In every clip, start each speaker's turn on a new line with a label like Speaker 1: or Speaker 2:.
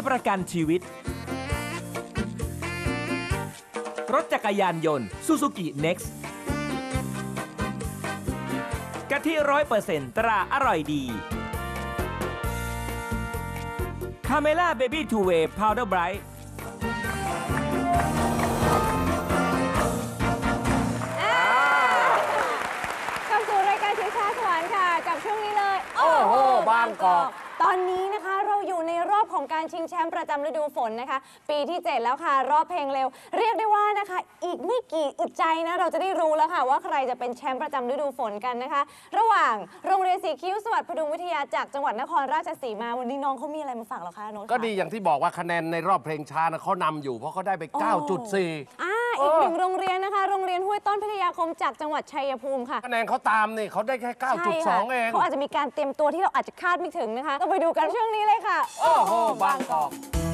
Speaker 1: ประกันชีวิตรถจักรยานยนต์ Suzuki Next กะทิ100%ตราอร่อยดีคาเมล่าเบบี้ทูเวย์พาวเดอร์ไบรท์
Speaker 2: เข้าสู่รายการชิงช้าสวรรค์ค่ะกับช่วงนี้เลย
Speaker 3: โอ้โหบางกอก
Speaker 2: ตอนนี้นะคะเราอยู่ในรอบของการชิงแชมป์ประจำฤดูฝนนะคะปีที่ 7 แล้วค่ะรอบเพลงเร็วเรียกได้ว่านะคะอีกไม่กี่อึดใจนะเราจะได้รู้แล้วค่ะว่าใครจะเป็นแชมป์ประจำฤดูฝนกันนะคะระหว่างโรงเรียนสีคิ้วสวัสดิ์พดุงวิทยาจากจังหวัดนครราชสีมาวันนี้น้องเขามีอะไรมาฝากเราคะโน้ต
Speaker 3: ก็ดีอย่างที่บอกว่าคะแนนในรอบเพลงช้านะเขานำอยู่เพราะเขาได้ไป 9.4
Speaker 2: อีกหนึ่งโรงเรียนนะคะโรงเรียนห้วยต้นพิทยาคมจากจังหวัดชัยภูมิค่ะ
Speaker 3: คะแนนเขาตามนี่เขาได้แค่ 9.2 เอง
Speaker 2: เขาอาจจะมีการเตรียมตัวที่เราอาจจะคาดไม่ถึงนะคะต้องไปดูกันช่วงนี้เลยค่ะ
Speaker 3: โอ้โหบางกอก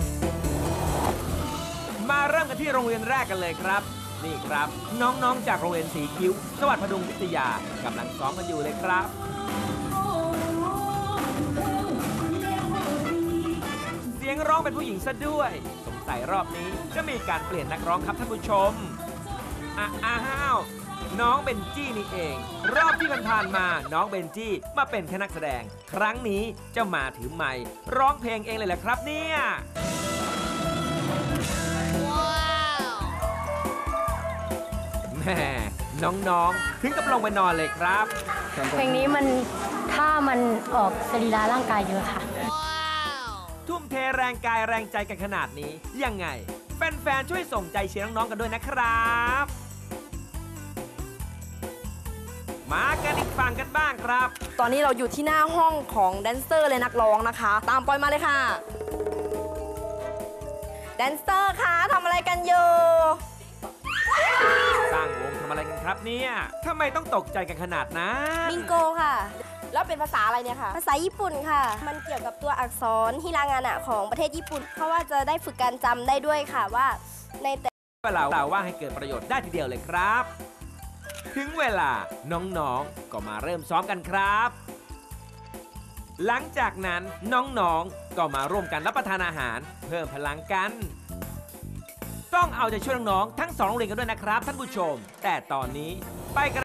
Speaker 1: มาเริ่มกันที่โรงเรียนแรกกันเลยครับนี่ครับน้องๆจากโรงเรียนสีคิ้วสวัสดิ์พดุงวิทยากำลังซ้อมกันอยู่เลยครับเสียงร้องเป็นผู้หญิงซะด้วยสงสัยรอบนี้จะมีการเปลี่ยนนักร้องครับท่านผู้ชมอ้าวน้องเบนจี้นี่เองรอบที่ผ่านมาน้องเบนจี้มาเป็นแค่นักแสดงครั้งนี้จะมาถือไมค์ร้องเพลงเองเลยแหละครับเนี่ยแม่น้องๆถึงกับลงไปนอนเลยครับ
Speaker 4: เพลงนี้มันถ้ามันออกสรีระร่างกายเยอะค่ะ
Speaker 1: ทุ่มเทแรงกายแรงใจกันขนาดนี้ยังไงแฟนๆช่วยส่งใจเชียร์น้องๆกันด้วยนะครับมากันอีกฝั่งกันบ้างครับ
Speaker 5: ตอนนี้เราอยู่ที่หน้าห้องของแดนเซอร์และนักร้องนะคะตามปอยมาเลยค่ะแดนเซอร์คะทำอะไรกันอยู่
Speaker 1: ตั้งวงทำอะไรกันครับเนี่ยทำไมต้องตกใจกันขนาดนั้น
Speaker 5: บิงโกค่ะแล้วเป็นภาษาอะไรเนี่ยค่ะภาษาญี่ปุ่นค่ะมันเกี่ยวกับตัวอักษรฮิรางานะของประเทศญี่ปุ่นเพราะว่าจะได้ฝึกการจำได้ด้วยค่ะว่าในแต่
Speaker 1: เวลาว่างให้เกิดประโยชน์ได้ทีเดียวเลยครับถึงเวลาน้องๆก็มาเริ่มซ้อมกันครับหลังจากนั้นน้องๆก็มาร่วมกันรับประทานอาหารเพิ่มพลังกันต้องเอาใจช่วยน้องๆทั้ง2โรงเรียนกันด้วยนะครับท่านผู้ชมแต่ตอนนี้ไปกัน